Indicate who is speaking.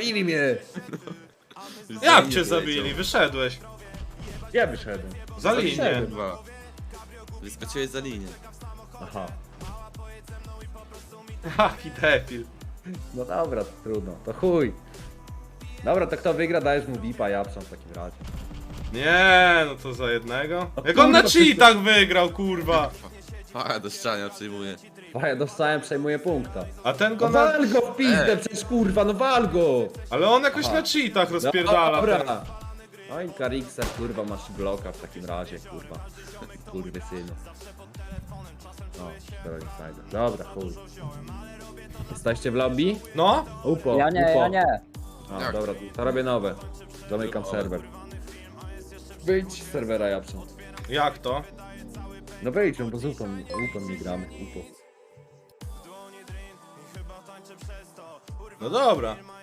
Speaker 1: Zabili mnie!
Speaker 2: Jak cię zabili? Wyszedłeś.
Speaker 1: Ja wyszedłem.
Speaker 2: Za linię.
Speaker 1: Wyszedłem.
Speaker 3: Kurwa. Wyskoczyłeś za linię.
Speaker 1: Aha.
Speaker 2: Jaki debil.
Speaker 1: No dobra, to trudno, to chuj. Dobra, to kto wygra, dajesz mu VIPa, ja psam w takim razie.
Speaker 2: Nie, no to za jednego.
Speaker 1: O
Speaker 2: Jak on na
Speaker 1: kurwa,
Speaker 2: cheatach wygrał, kurwa.
Speaker 3: A, do ściania przyjmuję.
Speaker 1: Ja dostałem, przejmuję punkta.
Speaker 2: A ten
Speaker 1: No
Speaker 2: go na...
Speaker 1: wal go w pizdę, przecież kurwa, no wal go!
Speaker 2: Ale on jakoś na cheatach rozpierdala. ten.
Speaker 1: Dobra. No i Karikser, kurwa, masz bloka w takim razie, kurwa. Kurwy synu. No, teraz nie znajdę. Dobra, chuj. Jesteście w lobby?
Speaker 2: No?
Speaker 1: Upo,
Speaker 4: Ja nie,
Speaker 1: upo.
Speaker 4: ja nie.
Speaker 1: A,
Speaker 3: Jak?
Speaker 1: dobra, to robię nowe. Zamykam serwer. Wyjdź z serwera, Japson.
Speaker 2: Jak to?
Speaker 1: No wyjdź, bo z upą nie gramy, upo.
Speaker 2: No dobra.